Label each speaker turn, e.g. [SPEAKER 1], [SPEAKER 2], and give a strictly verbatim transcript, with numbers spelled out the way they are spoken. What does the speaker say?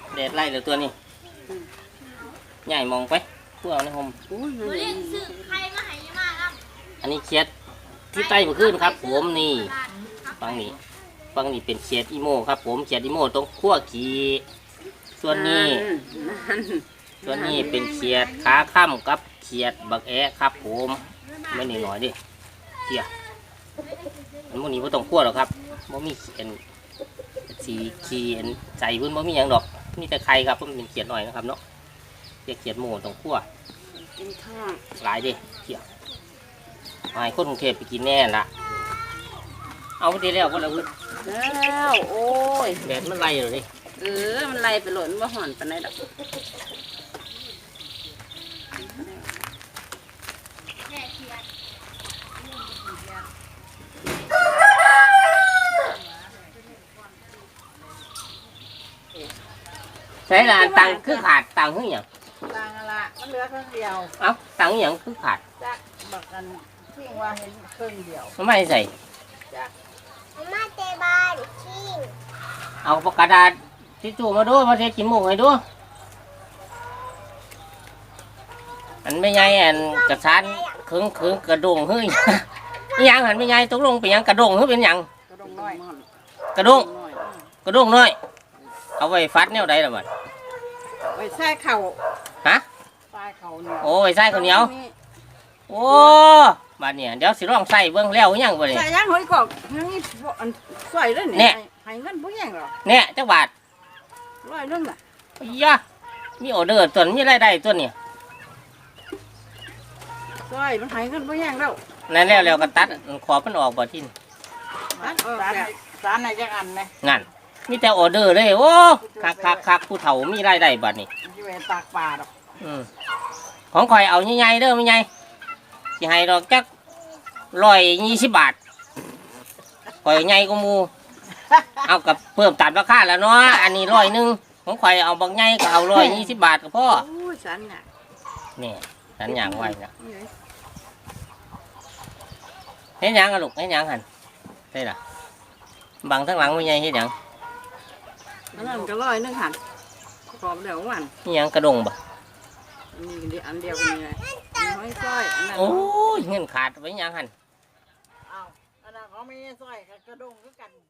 [SPEAKER 1] แดดไล่เหลือตัวนี้ใหญ่มองไปพวกเอาในห่มอันนี้เคียดที่ใต้มาขึ้นครับผมนี่ฟังนี่ฟังนี่เป็นเคียดอีโมครับผมเคียดอีโมตรงขั้วขีส่วนนี้ส่วนนี้เป็นเคียดขาค่ำกับเคียดบักแอะครับผมไม่หนีหน่อยดิเคียมันพวกนี้ไม่ต้องขั้วหรอกครับไม่มีเอ็นสีขีเอ็นใจพื้นไม่มีอย่างดอกมีแต่ไข่ครับมันเป็นเคียดหน่อยนะครับเนาะเคียดเคียดโมตรงขั้วหลายดิเคียดไอ้คนกรุงเทพไปกินแน่ละเอาไปดีแล้วก็แล้ว
[SPEAKER 2] แล้วโอ้ย
[SPEAKER 1] แดดมันไล่เลยดิ
[SPEAKER 2] เออมันไล่ไปหล่นว่าห่อนปานไหนดอก
[SPEAKER 1] ใช่ละตังคือขาดตังคืออย่าง
[SPEAKER 3] ตังอะไรมันเหลือครึ่งเดียว
[SPEAKER 1] เอ้าตังอย่างคือขาด
[SPEAKER 3] จักบอกกันทิ้งว่าเห็นครึ่งเดียว
[SPEAKER 1] ไม่ใส่
[SPEAKER 4] มาเตบานชิง
[SPEAKER 1] เอาปากกาดาษทิชชู่มาดูมาเทกินหมูให้ดูอันไม่ใหญ่อันกระชานคึงคึงกระดงเฮ้ยนี่ยังหันไม่ใหญ่ตกลงเป็นยังกระดงเฮ้ยเป็นยัง
[SPEAKER 3] กระดงน้อย
[SPEAKER 1] กระดงกระดงน้อยเอาไว้ฟัดแนวใดล่ะบัด
[SPEAKER 3] ไว้ใส่เข่า
[SPEAKER 1] ฮะ
[SPEAKER 3] ใส่เข่าเหนียว
[SPEAKER 1] โอ้ไว้ใส่ข้าวเหนียวโอ้บาดเนี่ยเดี๋ยวสิร้องใส่เบิ้งแล้วยังบ่เนี่ย
[SPEAKER 3] ใส่ยังหอยกอกยังนี่ใส่ด้วยเนี่ยให้เงินผู้ยังหรอ
[SPEAKER 1] เนี่ยจักบาท
[SPEAKER 3] ร้อยนึงอ่ะ
[SPEAKER 1] ยะมีออเดอร์ตัวมีรายได้ตัวเนี่ย
[SPEAKER 3] ใส่มันให้เงินผู้ยังแล้ว
[SPEAKER 1] นั่นแล้วแล้วก็ตัดขอมันออกบ่ทิน
[SPEAKER 3] สารสารไหนจังอันไหม
[SPEAKER 1] งั้นมีแต่ออเดอร์เลยโอ้คักคักคักผู้เฒ่ามีรายได้บัดนี่
[SPEAKER 3] ที่เป็นตากปลาดอก
[SPEAKER 1] ของข่อยเอาใหญ่ๆเด้อไม่ใหญ่สิให้ดอกจักร้อยยี่สิบบาทข่อยใหญ่กว่าหมูเอากับเพิ่มตามราคาแล้วเนาะอันนี้ร้อยหนึ่งของข่อยเอาบางใหญ่ก็เอาร้อยยี่สิบบาทก็พอ
[SPEAKER 3] สันเนี่ย
[SPEAKER 1] นี่สันอย่างไว้นะเฮ็ดหยังอะลูกเฮ็ดหยังหันได้ล่ะบังทั้งหลังไม่ใหญ่เฮ็ดหยัง
[SPEAKER 3] อันนั้นก็ร้อยนึงหันพร้อมเดี๋ยววัน
[SPEAKER 1] นี่ยังกระดงบ่
[SPEAKER 3] มีอันเดียวกันนี่ห้อยสร้อยอันนั้น
[SPEAKER 1] โอ้ยเงินขาดไว้ยังหัน
[SPEAKER 3] อ้าวอันนั้นเขาไม่สร้อยกระดงก็กัน